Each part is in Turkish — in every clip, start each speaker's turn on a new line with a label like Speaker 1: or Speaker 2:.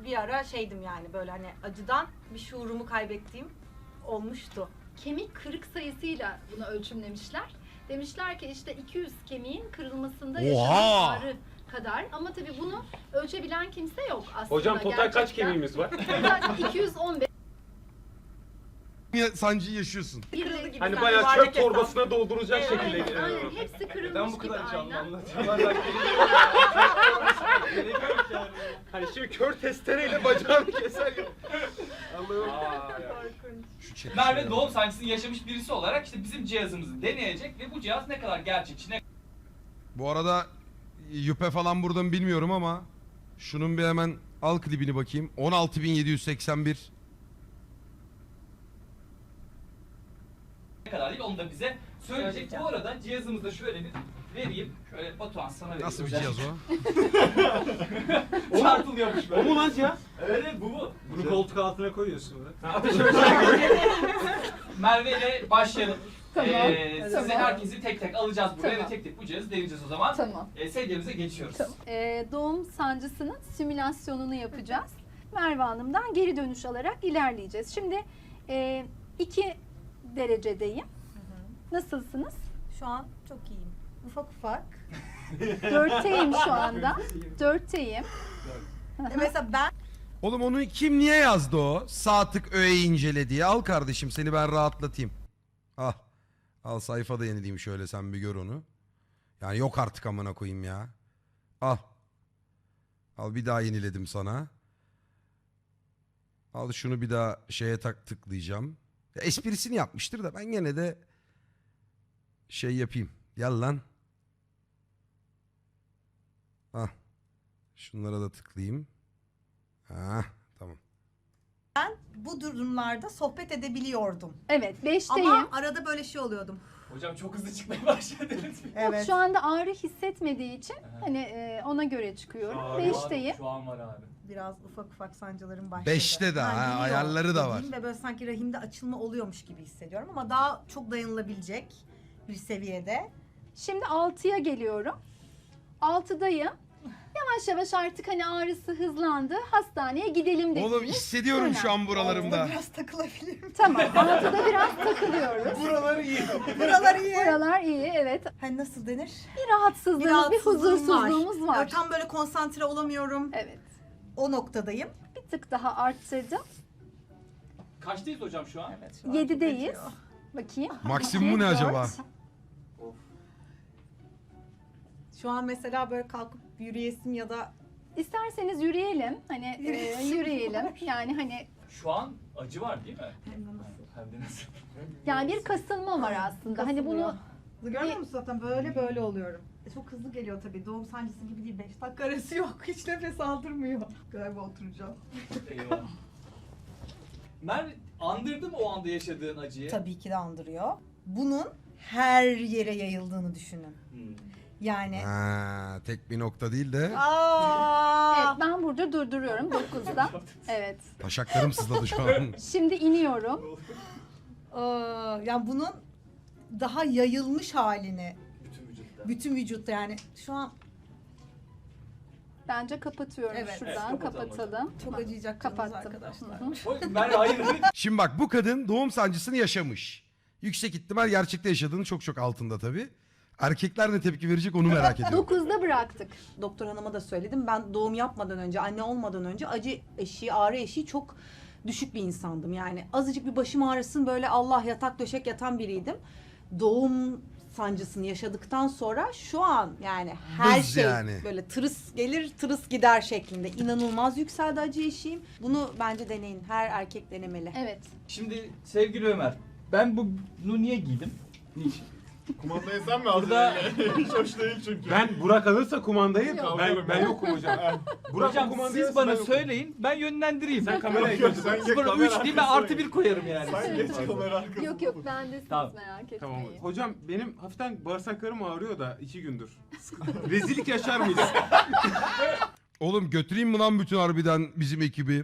Speaker 1: bir ara şeydim yani böyle hani acıdan bir şuurumu kaybettiğim olmuştu.
Speaker 2: Kemik kırık sayısıyla bunu ölçümlemişler. Demişler ki işte 200 kemiğin kırılmasında
Speaker 3: Oha!
Speaker 2: yaşanan ağrı kadar. Ama tabii bunu ölçebilen kimse yok aslında.
Speaker 4: Hocam total kaç
Speaker 2: gerçekten.
Speaker 4: kemiğimiz var?
Speaker 2: Total 215.
Speaker 3: Sancıyı yaşıyorsun.
Speaker 1: Kırıldı gibi.
Speaker 4: Hani
Speaker 1: sanki
Speaker 4: bayağı
Speaker 1: yuvarlak
Speaker 4: çöp
Speaker 1: hesap.
Speaker 4: torbasına dolduracak şekilde.
Speaker 2: Aynen, aynen. Hepsi kırılmış
Speaker 5: Neden bu
Speaker 2: gibi
Speaker 5: kadar canlı
Speaker 2: aynen.
Speaker 5: anlatıyor? Gerek yok yani.
Speaker 4: Hani şimdi kör testereyle bacağını keser ya. Allah'ım.
Speaker 3: Şu chat'e
Speaker 6: Merve
Speaker 3: şöyle
Speaker 6: doğum
Speaker 3: bak.
Speaker 6: sancısını yaşamış birisi olarak işte bizim cihazımızı deneyecek ve bu cihaz ne kadar gerçekçi, ne
Speaker 3: Bu arada yüpe falan burada mı bilmiyorum ama şunun bir hemen al klibini bakayım. 16.781.
Speaker 6: kadar değil onu da bize söyleyecek. Bu arada cihazımızda şöyle bir vereyim. Şöyle Batuhan sana vereyim.
Speaker 3: Nasıl bir cihaz o?
Speaker 6: Çarpılıyormuş böyle.
Speaker 4: O mu lan cihaz?
Speaker 6: Evet bu.
Speaker 5: Bunu koltuk altına koyuyorsun böyle.
Speaker 6: Merve ile başlayalım.
Speaker 2: Tamam,
Speaker 6: Size
Speaker 2: tamam.
Speaker 6: herkesi tek tek alacağız buraya
Speaker 2: Tamam.
Speaker 6: ve tek tek bu cihazı deneyeceğiz o zaman.
Speaker 2: Tamam.
Speaker 6: Sedyemize geçiyoruz.
Speaker 2: Doğum sancısının simülasyonunu yapacağız. Merve Hanım'dan geri dönüş alarak ilerleyeceğiz. Şimdi 2 derecedeyim. Nasılsınız?
Speaker 1: Şu an çok iyiyim. Ufak ufak.
Speaker 2: 4'teyim şu anda. 4'teyim.
Speaker 1: Mesela ben
Speaker 3: Oğlum onu kim niye yazdı o? Sağ tık öğe incele diye. Al kardeşim seni ben rahatlatayım. Al. Al sayfada yenileyim şöyle sen bir gör onu. Yani yok artık amına koyayım ya. Al. Al bir daha yeniledim sana. Al şunu bir daha şeye tıklayacağım. Ya esprisini yapmıştır da ben gene de şey yapayım. Gel lan. Ah. Şunlara da tıklayayım. Ha, tamam.
Speaker 1: bu durumlarda sohbet edebiliyordum.
Speaker 2: Evet, 5'teyim.
Speaker 1: Ama arada böyle şey oluyordum.
Speaker 6: Hocam çok hızlı çıkmaya başladınız.
Speaker 1: Evet.
Speaker 2: Şu anda ağrı hissetmediği için hani ona göre çıkıyorum. 5'teyim.
Speaker 6: Şu an var abi.
Speaker 1: Biraz ufak ufak sancılarım başladı.
Speaker 3: 5'te de ha,
Speaker 1: geliyor
Speaker 3: ayarları da var.
Speaker 1: dediğim Ve böyle sanki rahimde açılma oluyormuş gibi hissediyorum ama daha çok dayanılabilecek bir seviyede.
Speaker 2: Şimdi 6'ya geliyorum. 6'dayım. Yavaş yavaş artık hani ağrısı hızlandı. Hastaneye gidelim dediniz.
Speaker 3: Oğlum hissediyorum şu an buralarımda.
Speaker 1: Biraz takılabilirim.
Speaker 2: Tamam. 6'da biraz takılıyoruz.
Speaker 4: Buraları iyi.
Speaker 1: Buralar iyi.
Speaker 2: Buralar iyi, evet.
Speaker 1: Hani nasıl denir?
Speaker 2: Bir rahatsızlığımız, bir huzursuzluğumuz var.
Speaker 1: Tam böyle konsantre olamıyorum.
Speaker 2: Evet.
Speaker 1: O noktadayım.
Speaker 2: Bir tık daha arttırdım.
Speaker 6: Kaçtayız hocam şu an?
Speaker 1: Evet, şu an
Speaker 2: 7'deyiz.
Speaker 1: çok acıyor.
Speaker 2: Bakayım.
Speaker 3: Maksimumu ne acaba?
Speaker 1: Şu an mesela böyle kalkıp yürüyesim ya da
Speaker 2: İsterseniz yürüyelim. Hani
Speaker 1: Yürüyesim
Speaker 2: yürüyelim.
Speaker 1: var.
Speaker 2: Yani hani
Speaker 6: Şu an acı var değil mi?
Speaker 1: hem de nasıl?
Speaker 6: Hem de nasıl?
Speaker 2: yani bir kasılma var aslında. Hani bunu
Speaker 1: Görüyor musun zaten böyle oluyorum. Çok hızlı geliyor tabii. Doğum sancısı gibi değil. 5 dakika arası yok. Hiç nefes aldırmıyor. Galiba oturacağım.
Speaker 6: Eyvallah. Merve andırdı mı o anda yaşadığın acıyı?
Speaker 1: Tabii ki de andırıyor. Bunun her yere yayıldığını düşünün. Yani
Speaker 3: Ha, tek bir nokta değil de
Speaker 2: evet, ben burada durduruyorum 9'da. Evet.
Speaker 3: taşaklarım sızladı şu an.
Speaker 2: Şimdi iniyorum.
Speaker 1: Yani bunun daha yayılmış halini
Speaker 6: Bütün vücutta.
Speaker 1: bütün vücutta yani şu an
Speaker 2: Bence kapatıyorum
Speaker 1: Evet.
Speaker 2: şuradan.
Speaker 6: Evet, kapatalım
Speaker 2: kapatalım.
Speaker 1: çok acıyacak
Speaker 2: Kapattım.
Speaker 1: arkadaşlar.
Speaker 2: Hı hı.
Speaker 6: Oy, Merve hayır.
Speaker 3: Şimdi bak bu kadın doğum sancısını yaşamış. Yüksek ihtimal gerçekte yaşadığının çok çok altında tabii. Erkekler ne tepki verecek onu merak ediyorum.
Speaker 2: 9'da bıraktık.
Speaker 1: Doktor hanıma da söyledim. Ben doğum yapmadan önce, anne olmadan önce acı eşiği, ağrı eşiği çok düşük bir insandım. Yani azıcık bir başım ağrısın böyle Allah yatak döşek yatan biriydim. Doğum sancısını yaşadıktan sonra şu an yani her
Speaker 3: Buz
Speaker 1: şey
Speaker 3: yani.
Speaker 1: böyle tırıs gelir tırıs gider şeklinde inanılmaz yükseldi acı eşiğim. Bunu bence deneyin. Her erkek denemeli.
Speaker 2: Evet.
Speaker 6: Şimdi sevgili Ömer, ben bunu niye giydim? Niçin?
Speaker 5: Kumandayı sen mi aldın?
Speaker 6: Burada-
Speaker 5: Hiç hoş değil çünkü.
Speaker 4: Ben Burak alırsa kumandayı
Speaker 2: Yok.
Speaker 4: ben yokum hocam. Burak
Speaker 6: Hocam
Speaker 4: o kumandayı
Speaker 6: siz
Speaker 4: alırsa
Speaker 6: bana
Speaker 4: ben yokum.
Speaker 6: söyleyin, ben yönlendireyim.
Speaker 4: Sen kameraya
Speaker 5: Yok,
Speaker 4: götür.
Speaker 5: sen geç
Speaker 6: Sonra
Speaker 5: kamera
Speaker 6: 3 değil ben
Speaker 5: arkasına
Speaker 6: artı 1 koyarım yani.
Speaker 5: Sen geç kamera arkasına.
Speaker 2: Yok yok bendesiniz
Speaker 6: Tamam.
Speaker 2: merak etmeyin.
Speaker 4: Tamam. Hocam benim hafiften bağırsaklarım ağrıyor da 2 gündür. Rezillik yaşar mıyız?
Speaker 3: Oğlum götüreyim mi lan bütün harbiden bizim ekibi?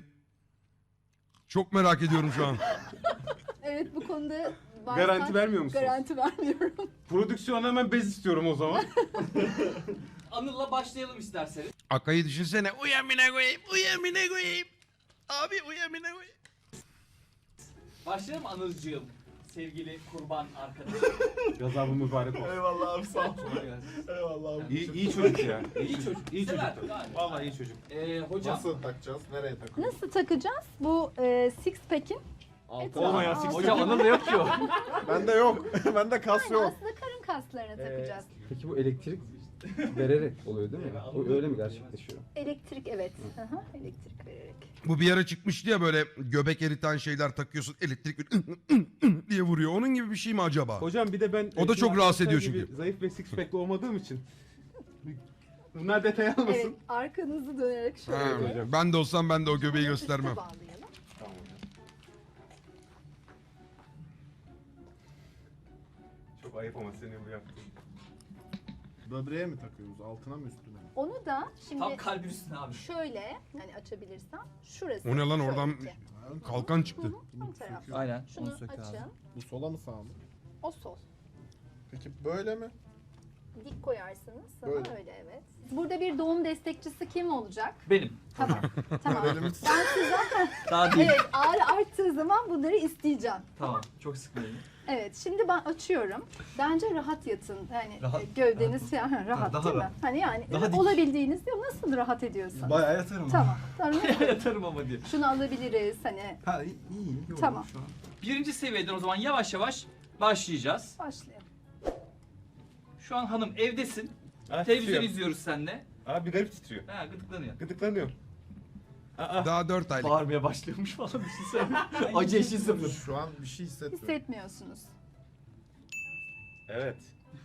Speaker 3: Çok merak ediyorum şu an.
Speaker 2: Evet bu konuda
Speaker 4: Garanti vermiyor musunuz?
Speaker 2: Garanti vermiyorum.
Speaker 4: Prodüksiyona hemen bez istiyorum o zaman.
Speaker 6: Anıl'la başlayalım isterseniz.
Speaker 3: Akay'ı düşünsene. Uyamine koyayım. Uyamine koyayım. Abi uyamine koyayım.
Speaker 6: Başlayalım Anıl'cığım. Sevgili kurban arkadaşım.
Speaker 4: Gazabı mübarek olsun.
Speaker 5: Eyvallah abi sağ ol. Eyvallah abi.
Speaker 4: İyi çocuk ya.
Speaker 6: İyi çocuk.
Speaker 4: İyi çocuk.
Speaker 6: Sever, gayet.
Speaker 4: Vallahi iyi çocuk.
Speaker 6: Hocam.
Speaker 5: Nasıl takacağız? Nereye takıyoruz?
Speaker 2: Nasıl takacağız? Bu six pack'in
Speaker 5: Altına.
Speaker 4: Olmayan six
Speaker 6: Hocam Anıl'da yok ki o.
Speaker 5: Bende yok. Bende kas
Speaker 2: yani
Speaker 5: yok.
Speaker 2: aslında karın kaslarına takacağız.
Speaker 7: Peki bu elektrik vererek oluyor değil mi? O öyle mi gerçekleşiyor?
Speaker 2: Elektrik evet. Aha, elektrik vererek.
Speaker 3: Bu bir ara çıkmıştı ya böyle göbek eriten şeyler takıyorsun. Elektrik diye vuruyor. Onun gibi bir şey mi acaba?
Speaker 4: Hocam bir de ben...
Speaker 3: O da çok
Speaker 4: şimdi
Speaker 3: rahatsız ediyor
Speaker 4: gibi
Speaker 3: çünkü.
Speaker 4: Zayıf ve six pack'li olmadığım için. Bunlar detay almasın.
Speaker 2: Evet, arkanızı dönerek şöyle.
Speaker 3: Ha, ben de olsam ben de o göbeği göstermem.
Speaker 2: Üste bağlayalım.
Speaker 4: Çok ayıp ama senin bu yaptığın.
Speaker 5: Böbreğe mi takıyoruz? Altına mı üstüne mi?
Speaker 2: Onu da şimdi
Speaker 6: Tam kalbin üstüne abi.
Speaker 2: şöyle yani açabilirsem şurası.
Speaker 3: O ne lan, oradan
Speaker 2: şöyle ki.
Speaker 3: kalkan çıktı.
Speaker 2: Tam taraf.
Speaker 6: Aynen.
Speaker 2: Şunu açın.
Speaker 5: Bu sola mı sağa mı?
Speaker 2: O sol.
Speaker 5: Peki böyle mi?
Speaker 2: Dik koyarsınız. Sana
Speaker 5: Böyle.
Speaker 2: öyle evet. Burada bir doğum destekçisi kim olacak?
Speaker 6: Benim.
Speaker 2: Tamam. tamam.
Speaker 5: Elimiz
Speaker 2: Ben sizden
Speaker 6: Daha değil.
Speaker 2: evet ağrı arttığı zaman bunları isteyeceğim.
Speaker 6: Tamam. Çok sıkmayın.
Speaker 2: Evet şimdi ben açıyorum. Bence rahat yatın. Yani
Speaker 7: Rahat.
Speaker 2: gövdeniz falan rahat
Speaker 7: daha
Speaker 2: değil mi?
Speaker 7: rahat.
Speaker 2: Hani yani
Speaker 7: Daha dik.
Speaker 2: olabildiğiniz ya nasıl rahat ediyorsanız.
Speaker 7: Bayağı yatarım.
Speaker 2: Tamam. Tamam.
Speaker 6: Yatarım ama diye.
Speaker 2: Şunu alabiliriz hani.
Speaker 7: Ha iyi. Yok,
Speaker 2: Tamam.
Speaker 7: Şu an.
Speaker 6: Birinci seviyeden o zaman yavaş yavaş başlayacağız.
Speaker 2: Başlayalım.
Speaker 6: Şu an hanım evdesin.
Speaker 4: Ha,
Speaker 6: Televizyon
Speaker 4: titriyor.
Speaker 6: izliyoruz seninle.
Speaker 4: Abi garip titriyor.
Speaker 6: Ha gıdıklanıyor.
Speaker 4: Gıdıklanıyor.
Speaker 3: Daha 4 aylık.
Speaker 6: Bağırmaya başlıyormuş falan düşünsene. Acı eşi sıfır.
Speaker 5: şu an bir şey hissetmiyorum.
Speaker 2: Hissetmiyorsunuz.
Speaker 4: Evet.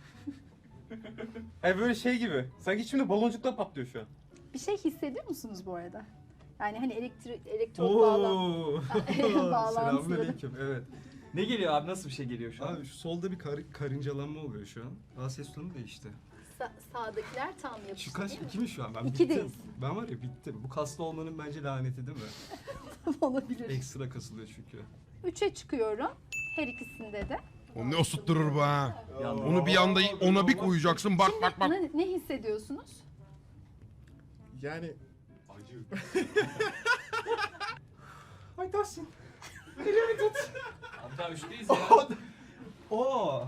Speaker 4: Ay böyle şey gibi. Sanki içimde baloncuklar patlıyor şu an.
Speaker 2: Bir şey hissediyor musunuz bu arada? Yani hani elektrot bağlantıları.
Speaker 7: Selamünaleyküm. Evet.
Speaker 6: Ne geliyor abi? Nasıl bir şey geliyor şu an?
Speaker 7: Abi şu solda bir karıncalanma oluyor şu an. Daha ses tonu değişti.
Speaker 2: Sağdakiler tam yapıştı
Speaker 7: Şu kaç?
Speaker 2: değil mi?
Speaker 7: 2 mi şu an? Ben
Speaker 2: İkideyiz.
Speaker 7: bittim. Ben var ya bittim. Bu kaslı olmanın bence laneti değil mi?
Speaker 2: Olabilir.
Speaker 7: Ekstra kasılıyor çünkü.
Speaker 2: 3'e çıkıyorum. Her ikisinde de.
Speaker 3: O ne osutturur bu ha.
Speaker 6: Yandım.
Speaker 3: Onu bir anda ona bir koyacaksın. Bak bak bak.
Speaker 2: Ne hissediyorsunuz?
Speaker 5: Yani
Speaker 4: Acı. Ay Tahsin.
Speaker 6: Abi daha üçteyiz ya.
Speaker 7: Oo.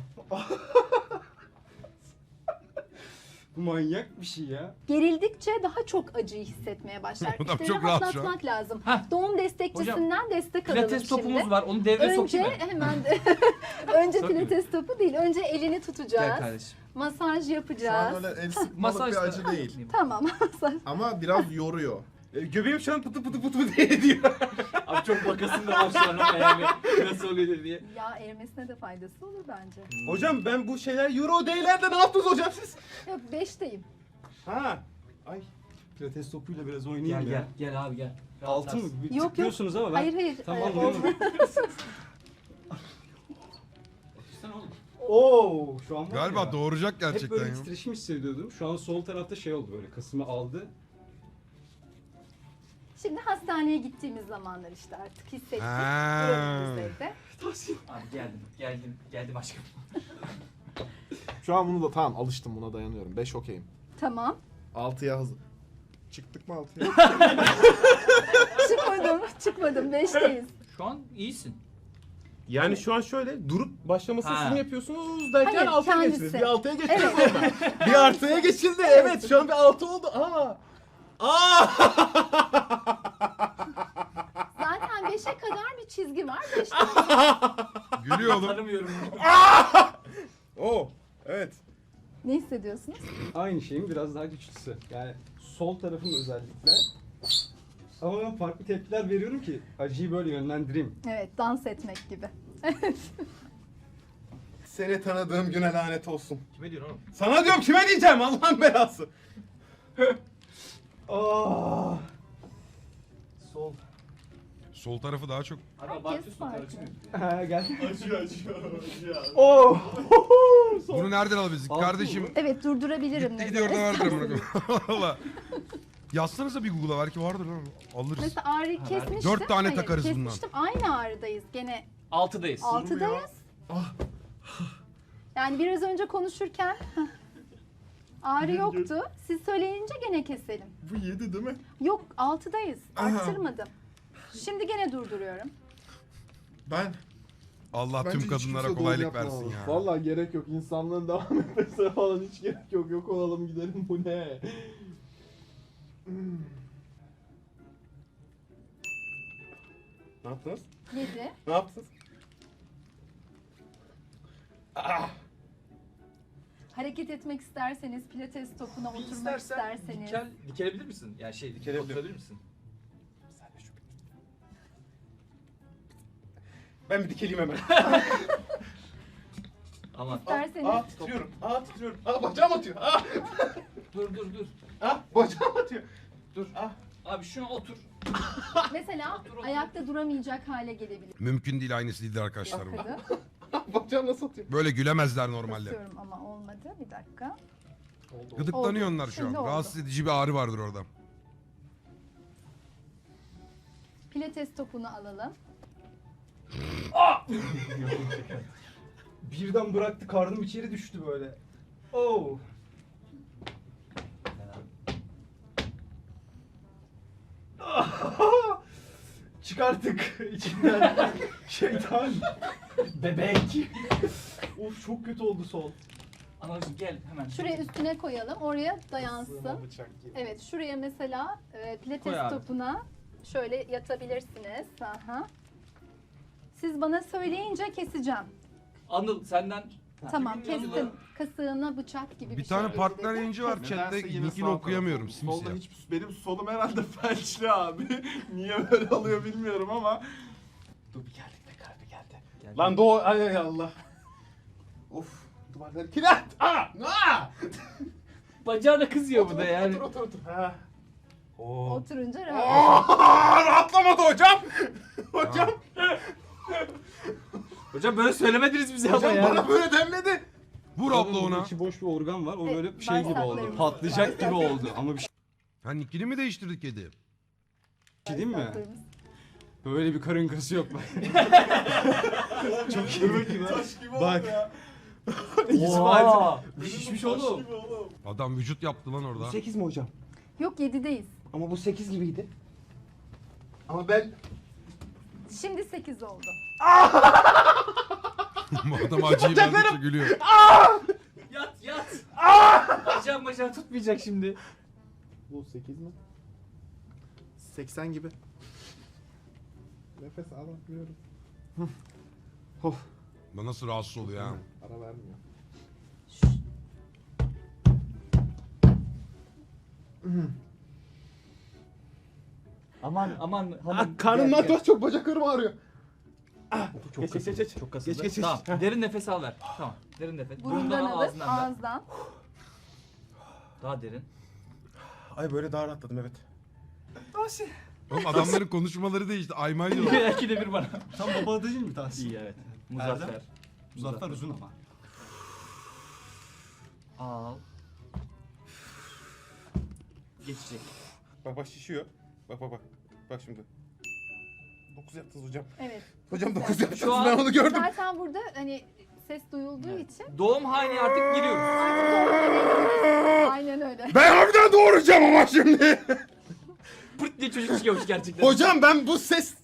Speaker 7: Bu manyak bir şey ya.
Speaker 2: Gerildikçe daha çok acıyı hissetmeye başlar.
Speaker 3: Adam
Speaker 2: İşte
Speaker 3: çok rahat şu an.
Speaker 2: rahatlatmak lazım.
Speaker 6: Heh.
Speaker 2: Doğum destekçisinden destek alalım
Speaker 6: Pilates
Speaker 2: şimdi.
Speaker 6: topumuz var. Onu devreye
Speaker 2: Önce
Speaker 6: sokayım mı?
Speaker 2: hemen de önce
Speaker 6: Sokayım.
Speaker 2: pilates topu değil. Önce elini
Speaker 6: Gel
Speaker 2: tutacağız.
Speaker 6: kardeşim.
Speaker 2: Masaj
Speaker 5: şu an
Speaker 2: yapacağız.
Speaker 5: öyle el sıkmalık
Speaker 6: Masaj
Speaker 5: bir
Speaker 6: da-
Speaker 5: acı değil.
Speaker 2: Tamam.
Speaker 5: Ama biraz yoruyor.
Speaker 4: Göbeğim şu an pıtı pıtı pıtı diye ediyor.
Speaker 6: Abi çok bakasın da var şu an ama yani nasıl oluyor diye.
Speaker 2: Yağ erimesine de faydası olur bence.
Speaker 4: Hocam ben bu şeyler Euro D'lerde ne yaptınız hocam siz?
Speaker 2: Yok 5'teyim.
Speaker 4: Ha. Ay.
Speaker 7: Pilates topuyla biraz oynayayım
Speaker 6: Gel
Speaker 7: ya.
Speaker 6: gel. Gel abi gel.
Speaker 7: Altı mı? Bir
Speaker 2: Yok, yok.
Speaker 7: tıklıyorsunuz ama ben...
Speaker 2: Hayır hayır.
Speaker 7: Tamam
Speaker 2: Oldu.
Speaker 6: Sen oğlum.
Speaker 7: Oo, şu an var
Speaker 3: Galiba
Speaker 7: ya.
Speaker 3: doğuracak
Speaker 7: Hep
Speaker 3: gerçekten
Speaker 7: böyle
Speaker 3: ya.
Speaker 7: bir titreşim hissediyordum. Şu an sol tarafta şey oldu böyle. Kasımı aldı.
Speaker 2: Şimdi hastaneye gittiğimiz zamanlar işte artık hissettik.
Speaker 3: Ha.
Speaker 2: Durumumuz evde.
Speaker 6: Abi geldim aşkım.
Speaker 5: Şu an bunu da tamam alıştım buna dayanıyorum. 5 okeyim.
Speaker 2: Tamam.
Speaker 5: 6'ya hazır. Çıktık mı 6'ya?
Speaker 2: Çıkmadım. 5'teyiz.
Speaker 6: Şu an iyisin.
Speaker 4: Yani şu an şöyle durup başlamasını
Speaker 6: Ha.
Speaker 4: siz mi yapıyorsunuz derken
Speaker 2: Hayır,
Speaker 4: 6'ya
Speaker 2: kendisi.
Speaker 4: geçtiniz. Bir 6'ya geçtiniz
Speaker 2: Evet.
Speaker 4: orada. Bir artıya geçildi. Evet şu an bir 6 oldu. Aa. Aa.
Speaker 2: Zaten 5'e kadar bir çizgi var. 5'te
Speaker 3: Gülüyor oğlum.
Speaker 6: Tanımıyorum.
Speaker 4: Oo. Evet.
Speaker 2: ne hissediyorsunuz?
Speaker 7: Aynı şeyin biraz daha güçlüsü. Yani sol tarafım özellikle. Ama ben farklı tepkiler veriyorum ki acıyı böyle yönlendireyim.
Speaker 2: Evet, dans etmek gibi.
Speaker 4: Seni tanıdığım güne lanet olsun.
Speaker 6: Kime diyorsun oğlum?
Speaker 4: Sana diyorum kime diyeceğim Allah'ın belası. Aa. Sol.
Speaker 3: Sol tarafı daha çok.
Speaker 6: Abi
Speaker 2: Herkes
Speaker 6: abartıyorsun
Speaker 2: farklı.
Speaker 6: karışmıyor.
Speaker 7: Ha gel.
Speaker 5: acıyor.
Speaker 7: Oo.
Speaker 3: Bunu nereden alabiliriz?
Speaker 7: Altı
Speaker 3: Kardeşim
Speaker 7: mı?
Speaker 2: Evet, durdurabilirim.
Speaker 3: gitti
Speaker 2: ne
Speaker 3: gidiyor orada
Speaker 2: zaman
Speaker 3: vardır.
Speaker 2: isterseniz.
Speaker 3: Valla. Yazsanıza bir Google'a belki vardır lan. Alırız.
Speaker 2: Mesela ağrı kesmiştim.
Speaker 3: 4 tane
Speaker 2: Hayır,
Speaker 3: takarız bundan.
Speaker 2: kesmiştim. Aynı ağrıdayız. Gene
Speaker 6: 6'dayız.
Speaker 2: 6'dayız. Yani biraz önce konuşurken Ağrı yoktu. Siz söyleyince gene keselim.
Speaker 5: Bu 7 değil mi?
Speaker 2: Yok 6'dayız. Arttırmadım. Şimdi gene durduruyorum.
Speaker 5: Ben
Speaker 3: Allah tüm kadınlara kolaylık versin ya.
Speaker 5: Vallahi gerek yok. İnsanlığın devam etmesine falan hiç gerek yok. Yok olalım gidelim, bu ne? Ne yaptınız?
Speaker 2: 7.
Speaker 5: Ne yaptınız?
Speaker 2: Hareket etmek isterseniz, pilates topuna
Speaker 6: Bir
Speaker 2: oturmak
Speaker 6: istersen
Speaker 2: isterseniz.
Speaker 6: dikelebilir misin? Yani oturabilir misin?
Speaker 5: Ben bir dikeleyim hemen.
Speaker 6: Aman.
Speaker 2: İsterseniz
Speaker 5: Titriyorum. Titriyorum. Bacağım atıyor.
Speaker 6: Dur.
Speaker 5: Bacağım atıyor.
Speaker 6: Dur. Abi şuna otur.
Speaker 2: mesela ayakta duramayacak hale gelebilir.
Speaker 3: Mümkün değil, aynısı değildir arkadaşlar bu.
Speaker 2: Bakın.
Speaker 5: Bacağım nasıl atıyor?
Speaker 3: Böyle gülemezler normalde.
Speaker 2: Basıyorum ama olmadı. Bir dakika.
Speaker 3: Gıdıklanıyor
Speaker 2: Oldu.
Speaker 3: onlar şu an.
Speaker 2: Şimdi oldu.
Speaker 3: Rahatsız edici bir ağrı vardır orada.
Speaker 2: Pilates topunu alalım.
Speaker 7: Birden bıraktı, karnım içeri düştü böyle. Oh. Çıkarttık içinden. Şeytan. Bebek. Of, çok kötü oldu sol.
Speaker 6: Anacığım gel hemen.
Speaker 2: Şuraya üstüne koyalım. Oraya dayansın.
Speaker 5: Bıçak gibi.
Speaker 2: Evet, şuraya mesela pilates
Speaker 6: Koy abi.
Speaker 2: topuna şöyle yatabilirsiniz. Aha. Siz bana söyleyince keseceğim.
Speaker 6: Anıl senden.
Speaker 2: Tamam,
Speaker 6: Kimin yanında?
Speaker 2: kestim. Kasığına bıçak gibi bir
Speaker 3: Bir
Speaker 2: şey
Speaker 3: tane
Speaker 2: girdi
Speaker 3: partner
Speaker 2: dedi.
Speaker 3: yayıncı var chatte,
Speaker 5: Nedense yine
Speaker 3: linkini
Speaker 5: sağ
Speaker 3: okuyamıyorum,
Speaker 5: tarafım. Solda
Speaker 3: simsiyah.
Speaker 5: benim solum herhalde felçli abi. Niye böyle alıyor bilmiyorum ama. Dur bir geldik be kardeşim, geldi. Lan doğu, ay Allah. Of, duvarları kilit.
Speaker 6: Bacağına kızıyor bu da yani.
Speaker 5: Otur. Ha.
Speaker 2: Oturunca rahat.
Speaker 5: Rahatlamadı hocam. Hocam.
Speaker 6: Hocam böyle söylemediniz bize ama
Speaker 5: Hocam
Speaker 6: yani.
Speaker 5: bana böyle denmedi.
Speaker 3: Vur abla ona.
Speaker 7: İçi boş bir organ var. O
Speaker 2: Evet,
Speaker 7: böyle şey gibi oldu.
Speaker 2: bağırsaklarımız.
Speaker 7: Patlayacak gibi oldu. Ama bir
Speaker 3: Ha, nickini mi değiştirdik kedi?
Speaker 7: şey diyeyim mi?
Speaker 2: Bağırsaklarımız.
Speaker 7: Böyle bir karın kası yok.
Speaker 5: Çok iyi gibi. Taş gibi
Speaker 7: Bak.
Speaker 5: oldu ya.
Speaker 6: Oha.
Speaker 7: Şişmiş
Speaker 5: Taş
Speaker 7: oğlum.
Speaker 5: gibi oğlum.
Speaker 3: Adam vücut yaptı lan orada.
Speaker 8: 8 mi hocam?
Speaker 2: Yok 7'deyiz.
Speaker 8: Ama bu 8 gibiydi.
Speaker 5: Ama ben
Speaker 2: Şimdi 8 oldu.
Speaker 3: Bu adam acıyı verdikçe gülüyor.
Speaker 6: Yat. Bacağım tutmayacak şimdi.
Speaker 5: bu 8 mi? 80 gibi. Nefes alamıyorum.
Speaker 3: Bu nasıl rahatsız oluyor ha?
Speaker 5: Ara vermiyor.
Speaker 6: Aman hanım.
Speaker 5: Karnımdan çok çok bacaklarım ağrıyor.
Speaker 8: Çok
Speaker 6: Geç.
Speaker 8: Çok kasıldı.
Speaker 5: Geç.
Speaker 6: Tamam. Derin nefes al ver. Tamam. Derin nefes.
Speaker 2: Burundan alıp
Speaker 6: ağzından ver.
Speaker 2: ağızdan.
Speaker 6: Daha derin.
Speaker 5: Ay böyle daha rahatladım, evet.
Speaker 3: Oğlum adamların konuşmaları değişti. Aymay diyorlar.
Speaker 6: İki de bir bana.
Speaker 7: Tam baba değil mi Tahsin?
Speaker 6: İyi evet. Muzaffer.
Speaker 7: Muzaffer uzun ama.
Speaker 6: Al. Geçecek.
Speaker 5: Bak şişiyor. Bak. Bak şimdi. 9 yaptınız hocam.
Speaker 2: Evet.
Speaker 5: Hocam 9 yaptınız,
Speaker 6: Şu an-
Speaker 5: ben onu gördüm.
Speaker 2: Zaten burada hani ses duyulduğu için
Speaker 6: Doğum haline artık giriyoruz.
Speaker 2: artık doğru. Aynen öyle.
Speaker 5: Ben harbiden doğuracağım ama şimdi.
Speaker 6: Pırt diye çocuk çıkıyormuş gerçekten.
Speaker 5: Hocam ben bu ses...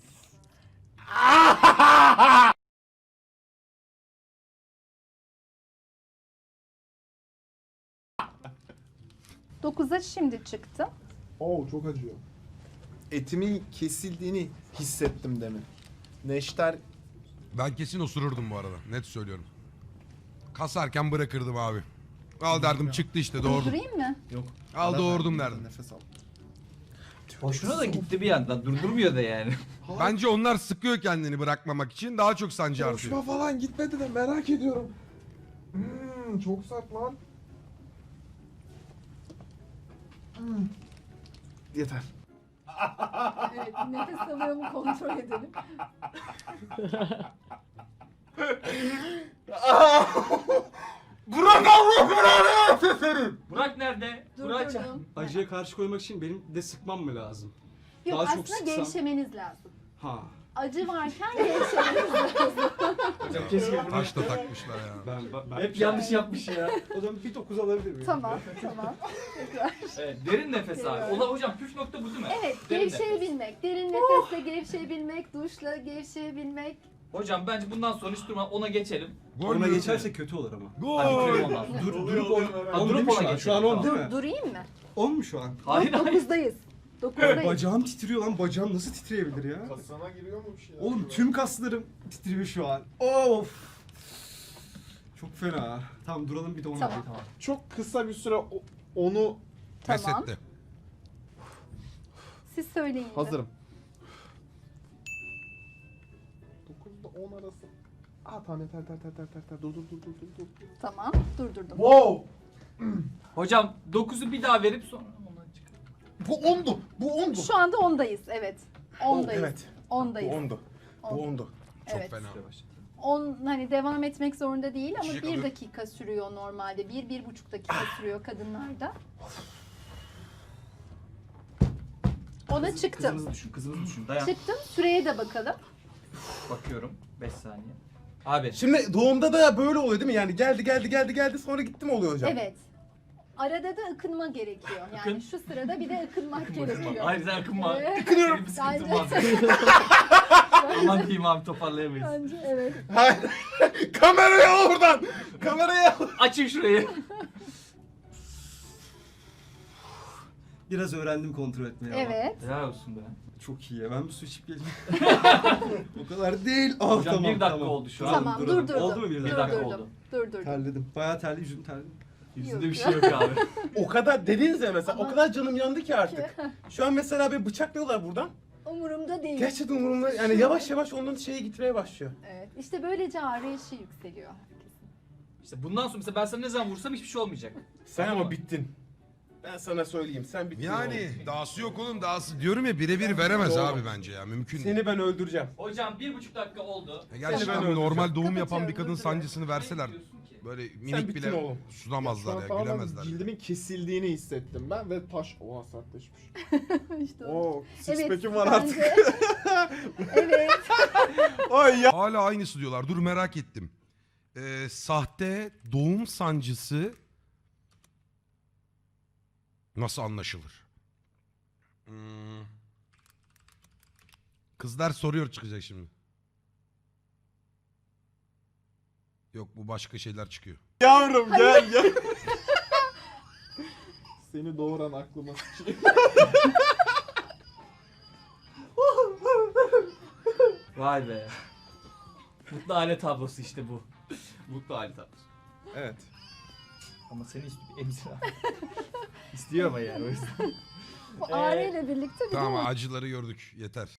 Speaker 2: 9'a şimdi çıktı.
Speaker 5: Oo, çok acıyor. Etimin kesildiğini hissettim demin. Neşter
Speaker 3: Ben kesin osururdum bu arada. Net söylüyorum. Kasarken bırakırdım abi. Al derdim, çıktı işte, doğurdum.
Speaker 2: Durdurayım mı?
Speaker 3: Al doğurdum derdim.
Speaker 5: nefes al.
Speaker 6: Hoşuna da gitti bir yandan. Durdurmuyor da yani.
Speaker 3: Bence onlar sıkıyor kendini bırakmamak için. Daha çok sancı
Speaker 5: Hoşuma
Speaker 3: artıyor.
Speaker 5: falan gitmedi de merak ediyorum. Çok sert lan. Yeter.
Speaker 2: Evet, nefes alıyor mu kontrol edelim.
Speaker 5: Burak Allah belanı versin senin.
Speaker 6: Burak nerede? Burak
Speaker 2: Durdurdum.
Speaker 7: Acıya karşı koymak için benim de sıkmam mı lazım?
Speaker 2: Yok
Speaker 7: Daha çok
Speaker 2: aslında
Speaker 7: sıksam-
Speaker 2: gevşemeniz lazım.
Speaker 7: Ha.
Speaker 2: acı varken gevşememiz lazım.
Speaker 6: Hocam keşke bunu...
Speaker 3: Taş da takmışlar ya.
Speaker 7: Ben
Speaker 6: Hep yanlış yapmış ya.
Speaker 7: O zaman bir 9 alabilir miyim?
Speaker 2: Tamam, tamam. Tekrar.
Speaker 6: Evet, derin nefes abi. Ola hocam püf nokta bu değil mi?
Speaker 2: Evet,
Speaker 6: Derin nefes.
Speaker 2: gevşeyebilmek. Derin nefesle gevşeyebilmek, duşla gevşeyebilmek.
Speaker 6: Hocam bence bundan sonra hiç durma ona geçelim.
Speaker 3: Gol
Speaker 7: Ona
Speaker 3: mü?
Speaker 7: geçerse kötü olur ama.
Speaker 6: Hadi
Speaker 3: Gol.
Speaker 6: bitirelim ondan sonra.
Speaker 7: Durup 10.
Speaker 6: Ha, durup
Speaker 7: Durup
Speaker 6: ona
Speaker 7: ona şu an
Speaker 6: geçelim,
Speaker 7: 10 değil mi?
Speaker 2: Durayım mı?
Speaker 7: 10 mu şu an?
Speaker 6: Hayır hayır.
Speaker 2: 9'dayız. 9'dayız.
Speaker 7: Bacağım titriyor lan. Bacağım nasıl titreyebilir ya?
Speaker 5: Kasana giriyor mu bir şeyler?
Speaker 7: Oğlum tüm kaslarım titriyor şu an. Of. Çok fena. Tamam duralım bir de onu
Speaker 2: Tamam.
Speaker 7: yapalım.
Speaker 5: Çok kısa bir süre onu
Speaker 3: Pes
Speaker 2: Tamam.
Speaker 3: etti.
Speaker 2: Siz söyleyin. de.
Speaker 5: hazırım. 9'da 10 arası. Tamam yeter. Dur.
Speaker 2: Tamam, durdurdum.
Speaker 5: Wow!
Speaker 6: Hocam 9'u bir daha verip sonra ondan çıkar.
Speaker 5: Bu 10'du. Bu 10'du.
Speaker 2: Şu anda 10'dayız, evet. 10'dayız.
Speaker 5: Evet.
Speaker 2: 10'dayız.
Speaker 5: 10'du. Bu 10'du.
Speaker 3: Çok
Speaker 2: Evet.
Speaker 3: fena.
Speaker 2: 10 hani devam etmek zorunda değil ama
Speaker 3: Çiçek
Speaker 2: 1
Speaker 3: alıyor.
Speaker 2: dakika sürüyor normalde. 1-1,5 dakika sürüyor kadınlarda. Ona çıktım.
Speaker 6: Kızınızı düşün, kızınızı düşün. Dayan.
Speaker 2: Çıktım. Süreye de bakalım.
Speaker 6: Bakıyorum. 5 saniye. Abi.
Speaker 5: Şimdi doğumda da böyle oluyor değil mi? Yani geldi sonra gitti mi oluyor hocam?
Speaker 2: Evet. Arada da ıkınma gerekiyor. Yani
Speaker 6: Akın.
Speaker 2: şu sırada bir de ıkınmak gerekiyor.
Speaker 6: Hayır sen akınma.
Speaker 2: Evet.
Speaker 6: Benim bir sıkıntım var. Aman diyeyim abi toparlayamayız.
Speaker 2: Bence evet.
Speaker 5: Hayır. Kamerayı al oradan. Kamerayı al.
Speaker 6: Açın şurayı.
Speaker 7: Biraz öğrendim kontrol etmeyi ama.
Speaker 2: Evet.
Speaker 6: Helal olsun be.
Speaker 7: Çok iyi ya. Ben bir su içip geleyim. O kadar değil.
Speaker 6: Hocam 1 dakika oldu şu an.
Speaker 2: Tamam,
Speaker 7: duralım.
Speaker 2: durdurdum.
Speaker 7: Oldu mu bir
Speaker 6: Bir
Speaker 7: dakika?
Speaker 6: dakika
Speaker 2: Durdurdum.
Speaker 6: oldu.
Speaker 2: Durdurdum.
Speaker 7: Terledim. Bayağı terli, yüzüm terli.
Speaker 6: Yüzünde bir şey yok abi.
Speaker 5: O kadar dediniz ya mesela o kadar canım yandı ki artık. Şu an mesela bir bıçaklıyorlar buradan.
Speaker 2: Umurumda değil.
Speaker 5: Gerçekten umurumda yani yavaş yavaş ondan şeye gitmeye başlıyor.
Speaker 2: Evet. İşte böylece ağrı eşiği yükseliyor.
Speaker 6: İşte bundan sonra mesela ben sana ne zaman vursam hiçbir şey olmayacak.
Speaker 5: Sen
Speaker 6: Tamam
Speaker 5: ama
Speaker 6: mı?
Speaker 5: bittin. Ben sana söyleyeyim sen bittin.
Speaker 3: Yani
Speaker 5: oğlum.
Speaker 3: dahası yok oğlum dahası. Diyorum ya birebir veremez
Speaker 5: Doğru.
Speaker 3: abi bence ya. Mümkün değil.
Speaker 5: Seni ben öldüreceğim.
Speaker 6: Hocam 1,5 dakika oldu.
Speaker 3: Gerçekten
Speaker 5: Seni ben
Speaker 3: normal doğum
Speaker 2: Kapatıyorum,
Speaker 3: yapan bir kadın
Speaker 2: durduruyorum.
Speaker 3: sancısını verseler
Speaker 6: Ne diyorsun ki?
Speaker 3: böyle
Speaker 5: Sen
Speaker 3: minik
Speaker 5: bittin
Speaker 3: bile
Speaker 5: oğlum.
Speaker 3: sunamazlar ya,
Speaker 5: tamamen
Speaker 3: gülemezler.
Speaker 5: cildimin kesildiğini hissettim ben ve taş oha sertleşmiş.
Speaker 2: İşte o.
Speaker 5: Oo six
Speaker 2: Evet,
Speaker 5: pack'im var
Speaker 2: bence-
Speaker 5: artık.
Speaker 2: Evet.
Speaker 5: Ay ya.
Speaker 3: Hala aynısı diyorlar. Dur merak ettim. Sahte doğum sancısı nasıl anlaşılır? Kızlar soruyor çıkacak şimdi. Yok bu başka şeyler çıkıyor.
Speaker 5: Yavrum gel. Seni doğuran aklıma sıçayım.
Speaker 6: Vay be. Mutlu aile tablosu işte bu. Mutlu aile tablosu.
Speaker 5: Evet.
Speaker 6: Ama seni istiyor emzir abi. İstiyor ama yani o yüzden.
Speaker 2: Bu ağrıyla birlikte bir de
Speaker 3: Tamam
Speaker 2: o.
Speaker 3: acıları gördük yeter.